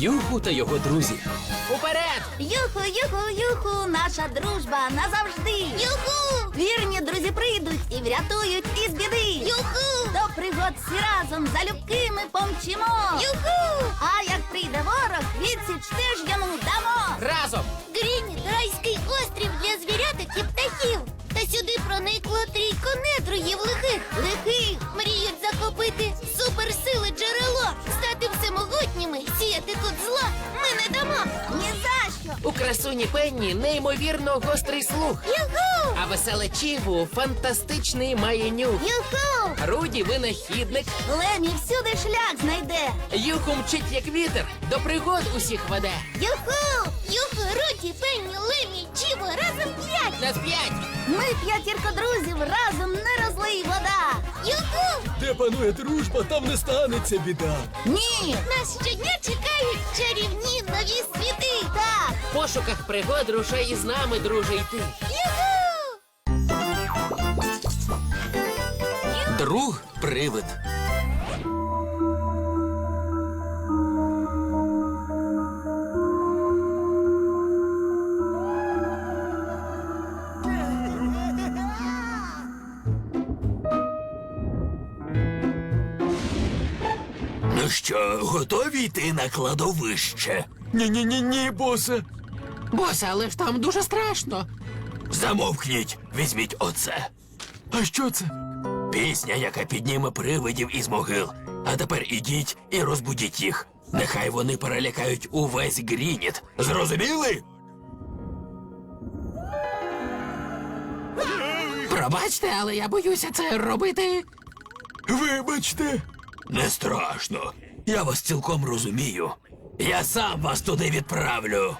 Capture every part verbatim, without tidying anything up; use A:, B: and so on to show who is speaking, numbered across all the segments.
A: Юху та його друзі. Уперед!
B: Юху, юху, юху, наша дружба назавжди. Юху! Вірні друзі прийдуть і врятують із біди. Юху! До пригод всі разом залюбки ми помчимо. Юху! А як прийде ворог, відсіч теж йому дамо.
A: Разом!
B: Грініт – райський острів для звіряток і птахів. Та сюди проникло трійко недругів лихих. Лихих мріють захопити суперсили джерело, стати всемогутніми, сіяти тут зло ми не дамо. Ні за що.
A: У красуні Пенні неймовірно гострий слух.
B: Юху!
A: А веселе Чігу фантастичний має нюх.
B: Юху!
A: Руді винахідник.
B: Лемі всюди шлях знайде.
A: Юху мчить як вітер, до пригод усіх веде.
B: Юху! Юху, Руді, Пенні, Лемі, Чіво, разом п'ять.
A: На п'ять!
B: Ми п'ятірка друзів, разом не розлий вода. Юху!
C: Де панує дружба, там не станеться біда.
B: Ні! Нас щодня чекають чарівні нові світи. Так!
A: В пошуках пригод рушай із нами, друже, йти.
B: Юху!
A: Друг привид.
C: Ну що, готові йти на кладовище? Ні-ні-ні-ні, босе.
A: Босе, але ж там дуже страшно.
C: Замовкніть, візьміть оце. А що це? Пісня, яка підніме привидів із могил. А тепер ідіть і розбудіть їх. Нехай вони перелякають увесь Грініт. Зрозуміли?
A: Пробачте, але я боюся це робити.
C: Вибачте. Не страшно. Я вас цілком розумію. Я сам вас туди відправлю.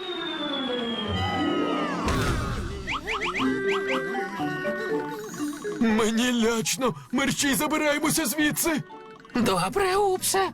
C: Мені лячно. Мерщій, забираємося звідси.
A: Добре, Упсе.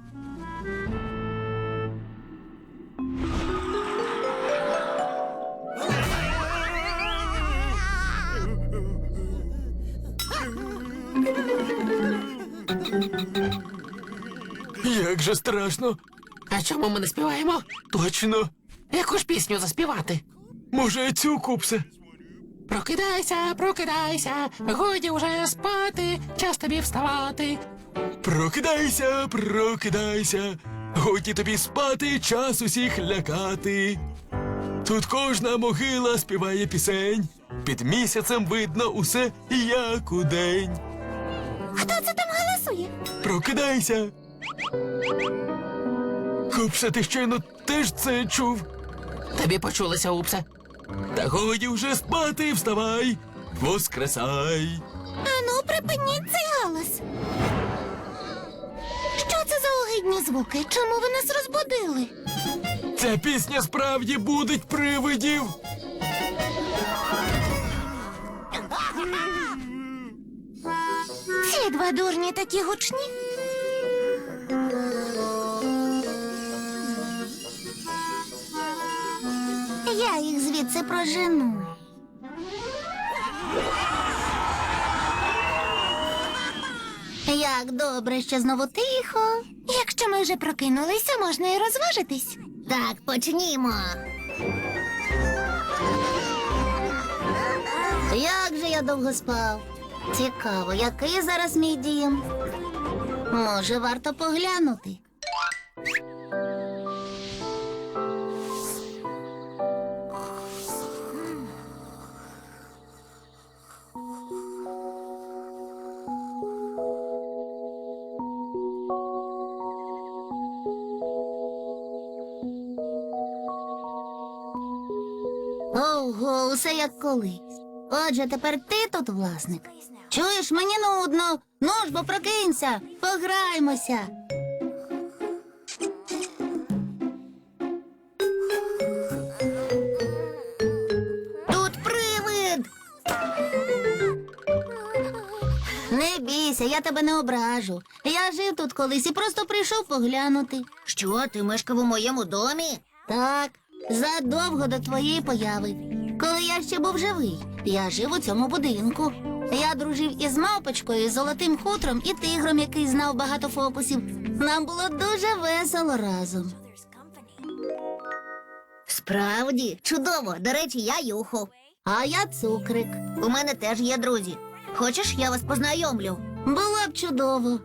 C: Як же страшно.
A: А чому ми не співаємо?
C: Точно.
A: Яку ж пісню заспівати?
C: Може, цю, Купсе?
A: Прокидайся, прокидайся, годі уже спати, час тобі вставати.
C: Прокидайся, прокидайся. Годі тобі спати, час усіх лякати. Тут кожна могила співає пісень. Під місяцем видно усе, як удень.
B: Хто це там голосує?
C: Прокидайся. Купсе, ти щойно теж це чув?
A: Тобі почулося, Упсе.
C: Та годі вже спати, вставай, воскресай.
B: Ану, припиніть цей галас. Що це за огидні звуки? Чому ви нас розбудили?
C: Ця пісня справді будить привидів.
B: Ці два дурні такі гучні. Я їх звідси прожену. Як добре, що знову тихо. Якщо ми вже прокинулися, можна і розважитись. Так, почнімо. Як же я довго спав? Цікаво, який зараз мій дім? Може, варто поглянути. Ого, усе як колись. Отже, тепер ти тут власник. Чуєш, мені нудно. Ну ж, бо прокинься, пограймося. Тут привид. Не бійся, я тебе не ображу. Я жив тут колись і просто прийшов поглянути. Що, ти мешкав у моєму домі? Так, задовго до твоєї появи. Коли я ще був живий, я жив у цьому будинку. Я дружив із мавпочкою, золотим хутром і тигром, який знав багато фокусів. Нам було дуже весело разом. Справді, чудово. До речі, я Юху. А я Цукрик. У мене теж є друзі. Хочеш, я вас познайомлю? Було б чудово.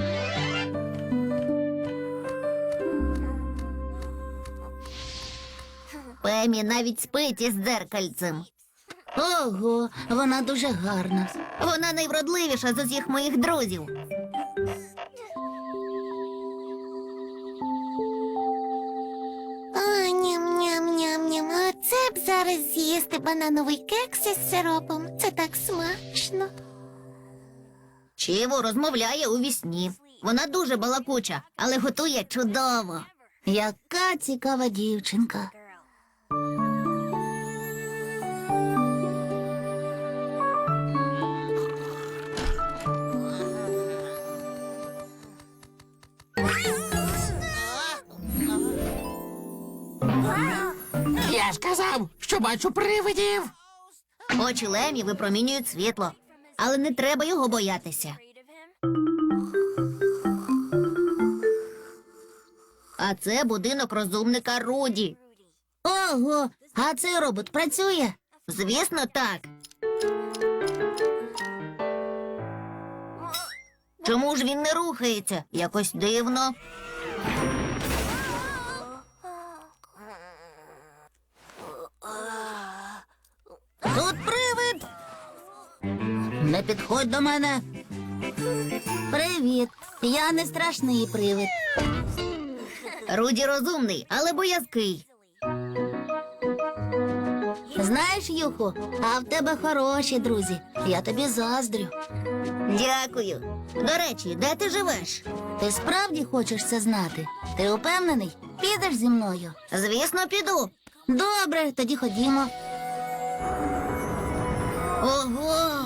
B: Пемі навіть спить із дзеркальцем. Ого, вона дуже гарна. Вона найвродливіша з усіх моїх друзів.
D: О, ням-ням-ням-ням. Оце б зараз з'їсти банановий кекс із сиропом. Це так смачно.
B: Чіво розмовляє у вісні. Вона дуже балакуча, але готує чудово. Яка цікава дівчинка.
A: Я ж казав, що бачу привидів.
B: Очі Лемі випромінюють світло, але не треба його боятися. А це будинок розумника Руді. Ого, а цей робот працює? Звісно, так. Чому ж він не рухається? Якось дивно. Тут привид. Не підходь до мене. Привіт. Я не страшний привид. Руді розумний, але боязкий. Знаєш, Юху, а в тебе хороші друзі. Я тобі заздрю. Дякую. До речі, де ти живеш? Ти справді хочеш це знати? Ти упевнений? Підеш зі мною? Звісно, піду. Добре, тоді ходімо. Ого!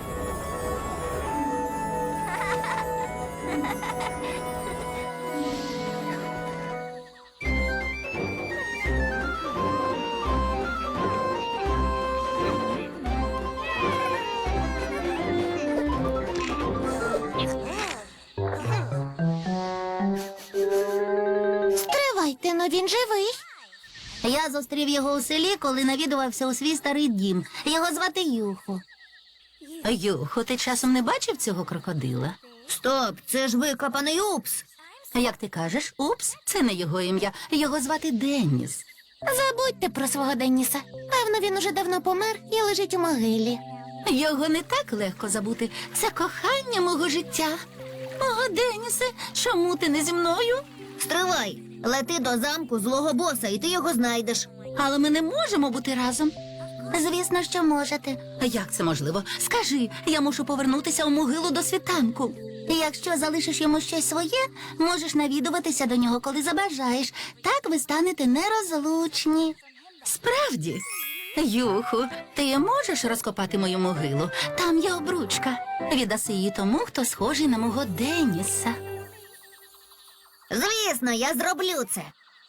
D: Стривайте, ну він живий.
B: Я зустрів його у селі, коли навідувався у свій старий дім. Його звати Юху.
E: Юхо, ти часом не бачив цього крокодила?
B: Стоп, це ж викопаний упс.
E: Як ти кажеш, упс, це не його ім'я, його звати Денніс.
D: Забудьте про свого Денніса. Певно, він уже давно помер і лежить у могилі.
E: Його не так легко забути. Це кохання мого життя. О, Деннісе, чому ти не зі мною?
B: Стривай, лети до замку злого боса, і ти його знайдеш.
E: Але ми не можемо бути разом.
B: Звісно, що можете.
E: Як це можливо? Скажи, я мушу повернутися у могилу до світанку.
B: Якщо залишиш йому щось своє, можеш навідуватися до нього, коли забажаєш. Так ви станете нерозлучні.
E: Справді? Юху, ти можеш розкопати мою могилу? Там є обручка. Віддаси її тому, хто схожий на мого Денніса.
B: Звісно, я зроблю це.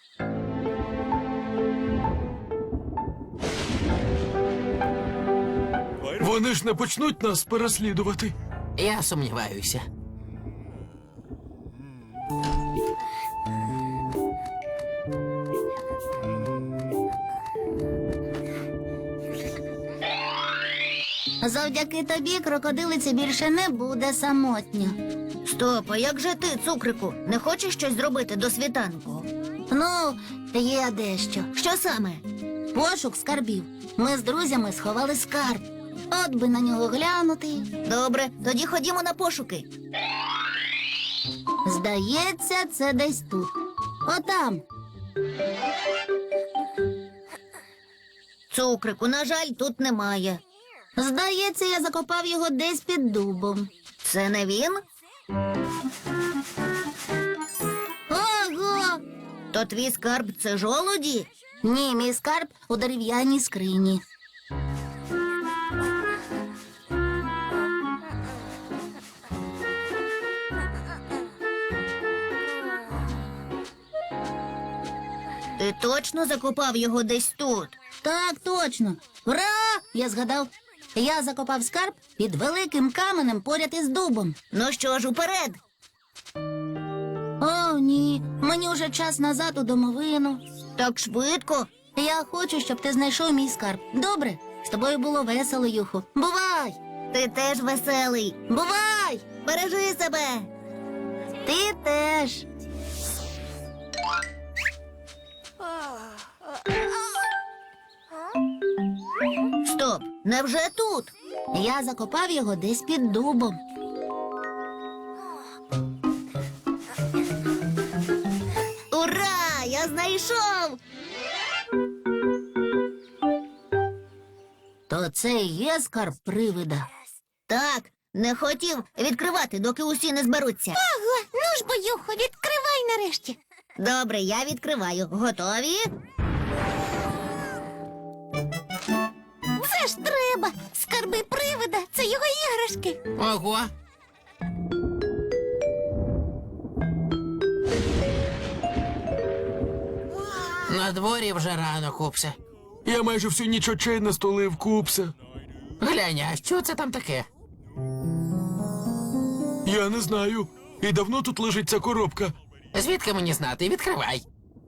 C: Вони ж не почнуть нас переслідувати.
A: Я сумніваюся.
B: Завдяки тобі крокодилиці більше не буде самотньо. Стоп, а як же ти, Цукрику? Не хочеш щось зробити до світанку? Ну, є дещо. Що саме? Пошук скарбів. Ми з друзями сховали скарб. От би на нього глянути. Добре, тоді ходімо на пошуки. Здається, це десь тут. Отам. Цукрику, на жаль, тут немає. Здається, я закопав його десь під дубом. Це не він? Ого! То твій скарб — це жолуді? Ні, мій скарб у дерев'яній скрині. Ти точно закопав його десь тут? Так, точно. Ура! Я згадав. Я закопав скарб під великим каменем поряд із дубом. Ну що ж, уперед. О, ні. Мені вже час назад у домовину. Так швидко. Я хочу, щоб ти знайшов мій скарб. Добре? З тобою було весело, Юху. Бувай! Ти теж веселий. Бувай! Бережи себе. Ти теж. Стоп, невже тут? Я закопав його десь під дубом. Ура! Я знайшов! То це і є скарб привида? Так, не хотів відкривати, доки усі не зберуться.
D: Ого, ну ж бо, Юху, відкривай нарешті.
B: Добре, я відкриваю. Готові?
D: Це ж треба. Скарби привида, це його іграшки.
A: Ого. На дворі вже рано, Купсе.
C: Я майже всю ніч очей не столив, Купсе.
A: Глянь, а що це там таке?
C: Я не знаю. І давно тут лежить ця коробка.
A: Звідки мені знати? Відкривай.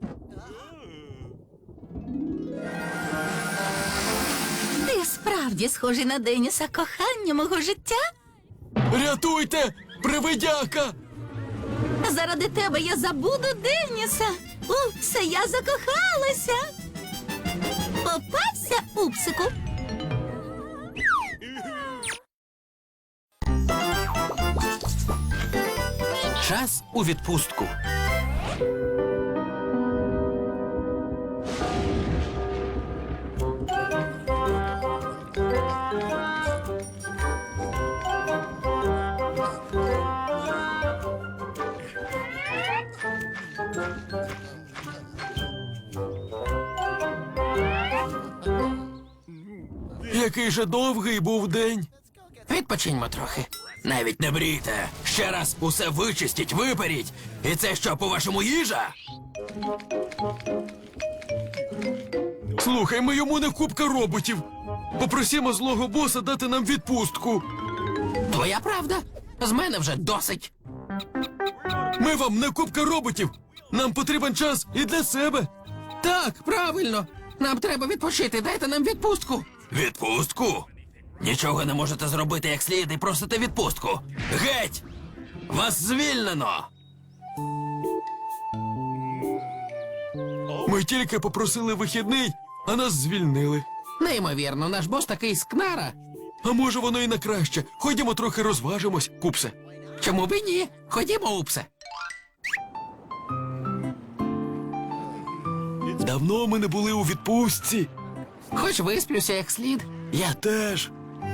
E: Ти справді схожий на Деніса, кохання мого життя.
C: Рятуйте! Привидяка!
E: Заради тебе я забуду Деніса. Упсе, я закохалася. Попався, Упсику.
C: Час у відпустку. Який же довгий був день.
A: Відпочиньмо трохи.
C: Навіть не мрійте. Ще раз усе вичистіть, виперіть. І це що, по-вашому, їжа? Слухай, ми йому не купка роботів. Попросімо злого боса дати нам відпустку.
A: Твоя правда? З мене вже досить.
C: Ми вам не купка роботів. Нам потрібен час і для себе.
A: Так, правильно. Нам треба відпочити. Дайте нам відпустку.
C: Відпустку? Нічого не можете зробити як слід і просите відпустку. Геть! Вас звільнено! Ми тільки попросили вихідний, а нас звільнили.
A: Неймовірно, наш бос такий скнара.
C: А може воно і на краще. Ходімо трохи розважимось, Купсе.
A: Чому б і ні? Ходімо, Упсе.
C: Давно ми не були у відпустці.
A: Хоч висплюся як слід.
C: Я теж.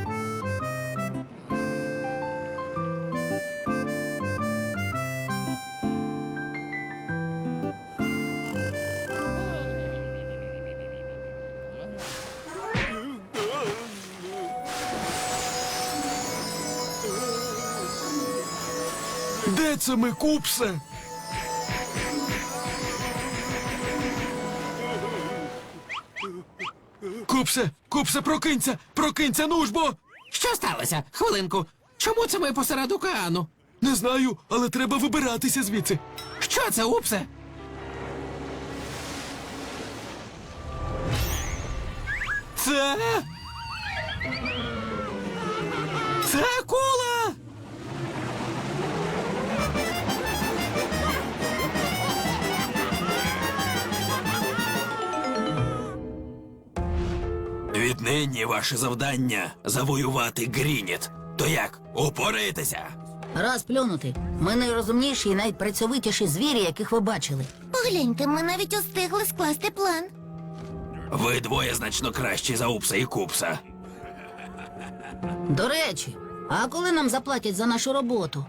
C: Де це ми, Купсе? Купсе, Купсе, прокинься, прокинься, ну ж бо!
A: Що сталося? Хвилинку. Чому це ми посеред океану?
C: Не знаю, але треба вибиратися звідси.
A: Що це, Упсе?
C: Це... Це акула! Віднині ваше завдання завоювати Грініт. То як, упораєтеся?
B: Розплюнути. Ми найрозумніші і найпрацьовитіші звірі, яких ви бачили.
D: Погляньте, ми навіть устигли скласти план.
C: Ви двоє значно кращі за Упса і Купса.
B: До речі, а коли нам заплатять за нашу роботу?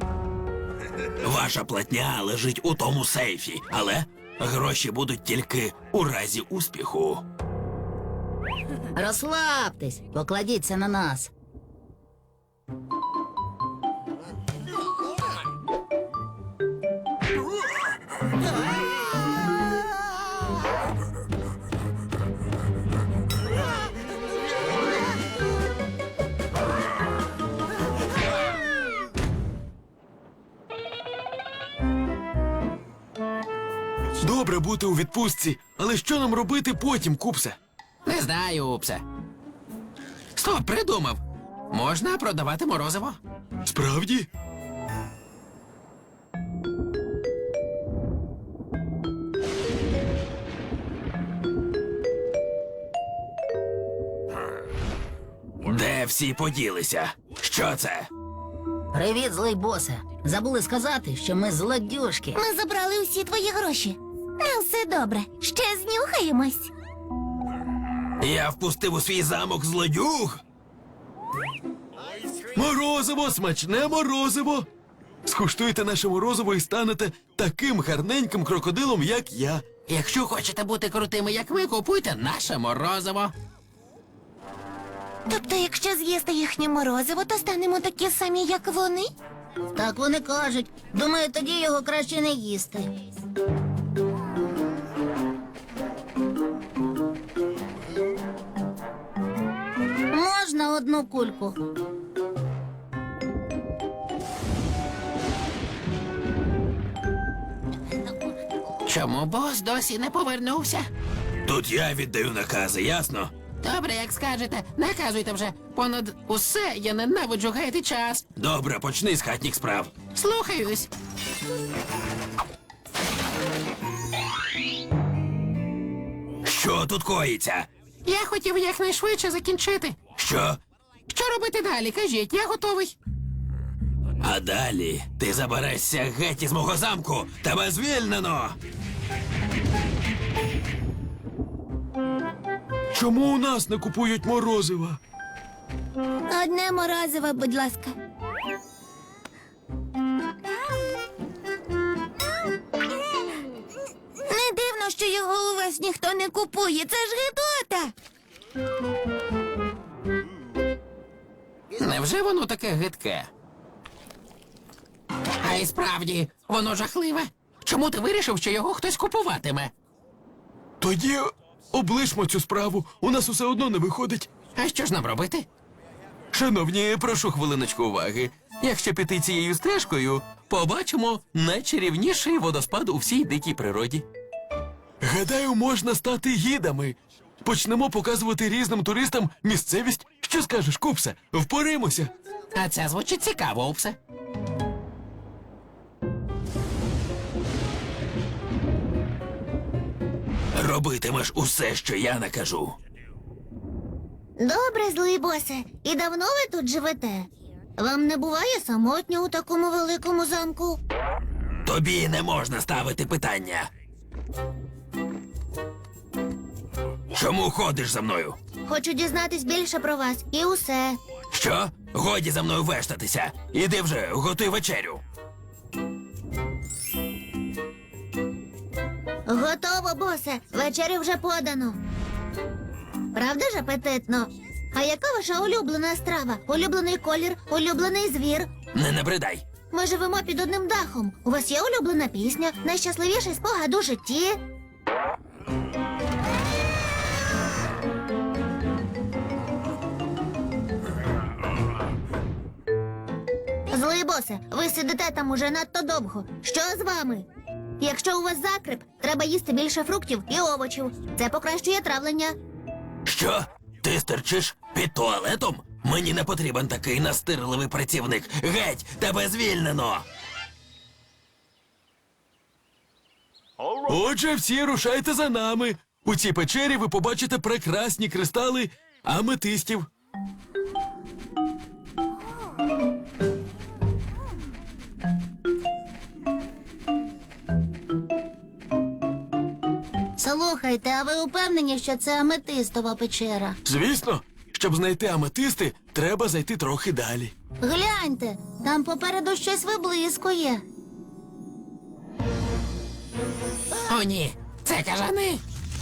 C: Ваша платня лежить у тому сейфі, але гроші будуть тільки у разі успіху.
B: Розслабтесь, покладіться на нас.
F: Добре бути у відпустці, але що нам робити потім, Купсе?
A: Не знаю, Упсе. Стоп, придумав. Можна продавати морозиво.
F: Справді?
C: Де всі поділися? Що це?
B: Привіт, злий босе. Забули сказати, що ми злодюжки.
D: Ми забрали усі твої гроші. Ну, все добре. Ще знюхаємось.
C: Я впустив у свій замок злодюг.
F: Морозиво, смачне морозиво! Скуштуйте наше морозиво і станете таким гарненьким крокодилом, як я.
A: Якщо хочете бути крутими, як ми, купуйте наше морозиво.
D: Тобто, якщо з'їсти їхнє морозиво, то станемо такі самі, як вони?
B: Так вони кажуть. Думаю, тоді його краще не їсти. Можна одну кульку?
A: Чому бос досі не повернувся?
C: Тут я віддаю накази, ясно?
A: Добре, як скажете, наказуйте вже. Понад усе я ненавиджу гаяти час.
C: Добре, почни з хатніх справ.
A: Слухаюсь.
C: Що тут коїться?
A: Я хотів якнайшвидше закінчити.
C: Що?
A: Що робити далі? Кажіть, я готовий.
C: А далі ти заберешся геть із мого замку. Тебе звільнено.
F: Чому у нас не купують морозива?
D: Одне морозиво, будь ласка. Не дивно, що його у вас ніхто не купує. Це ж гидота.
A: Невже воно таке гидке? А й справді, воно жахливе. Чому ти вирішив, що його хтось купуватиме?
F: Тоді облишмо цю справу, у нас усе одно не виходить.
A: А що ж нам робити?
G: Шановні, прошу хвилиночку уваги. Якщо піти цією стежкою, побачимо найчарівніший водоспад у всій дикій природі.
F: Гадаю, можна стати гідами. Почнемо показувати різним туристам місцевість. Що скажеш, Купсе? Впоримося.
A: А це звучить цікаво, Упсе.
C: Робитимеш усе, що я накажу.
B: Добре, злий босе. І давно ви тут живете? Вам не буває самотньо у такому великому замку?
C: Тобі не можна ставити питання. Чому ходиш за мною?
B: Хочу дізнатись більше про вас і усе.
C: Що? Годі за мною вештатися. Іди вже, готуй вечерю.
B: Готово, босе. Вечерю вже подано. Правда ж апетитно? А яка ваша улюблена страва? Улюблений колір, улюблений звір?
C: Не набридай.
B: Ми живемо під одним дахом. У вас є улюблена пісня, найщасливіший спогад у житті? Злий босе, ви сидите там уже надто довго. Що з вами? Якщо у вас закрип, треба їсти більше фруктів і овочів. Це покращує травлення.
C: Що? Ти стерчиш під туалетом? Мені не потрібен такий настирливий працівник. Геть, тебе звільнено.
F: Отже, всі рушайте за нами. У цій печері ви побачите прекрасні кристали аметистів.
B: Слухайте, а ви упевнені, що це аметистова печера?
F: Звісно, щоб знайти аметисти, треба зайти трохи далі.
B: Гляньте, там попереду щось виблискує.
A: О, ні, це кажани.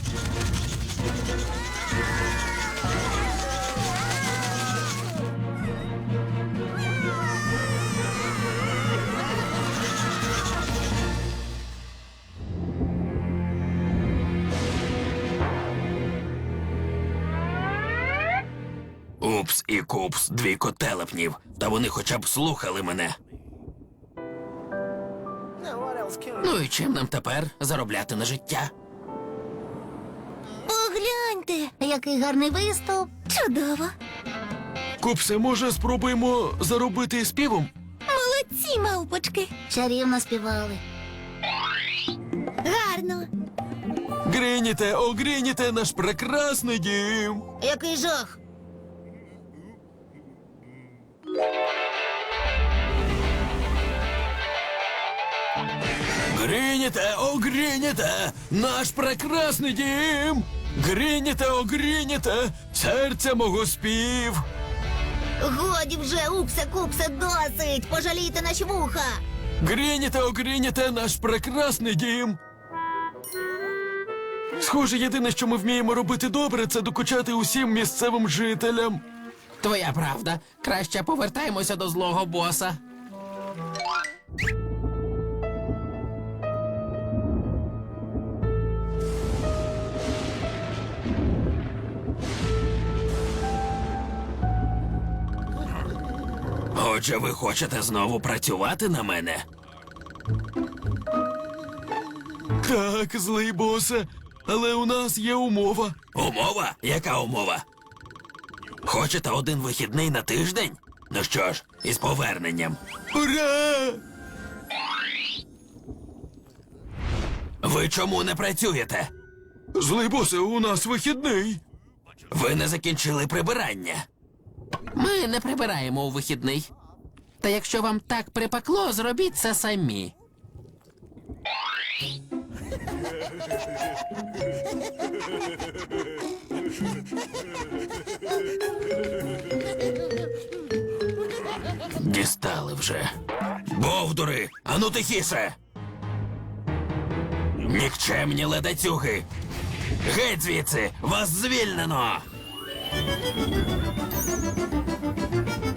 C: Упс і купс, дві котелепнів. Та вони хоча б слухали мене.
A: Ну і чим нам тепер заробляти на життя?
D: Погляньте,
B: Який гарний виступ.
D: чудово.
F: Купсе, може, спробуємо заробити співом?
D: Молодці, мавпочки.
B: Чарівно співали.
D: Гарно.
F: Гриніте, о, Гриніте, наш прекрасний дім.
B: Який жах.
F: Гриніте, о, Гриніте, наш прекрасний дім. Гриніте, о, Гриніте, серця мого спів.
B: Годі вже, упсе, купсе, досить. Пожалійте наші вуха.
F: Гриніте, о, Гриніте, наш прекрасний дім. Схоже, єдине, що ми вміємо робити добре, це докучати усім місцевим жителям.
A: Твоя правда. Краще повертаємося до злого боса.
C: Отже, ви хочете знову працювати на мене?
F: Так, злий босе, але у нас є умова.
C: Умова? Яка умова? Хочете один вихідний на тиждень? Ну що ж, із поверненням.
F: Ура!
C: Ви чому не працюєте?
F: Злий босе, у нас вихідний.
C: Ви не закінчили прибирання.
A: Ми не прибираємо у вихідний. Та якщо вам так припекло, зробіть це самі.
C: Дістали вже. Бовдури, ану тихіше! Нікчемні ледацюги! Геть звідси! Вас звільнено!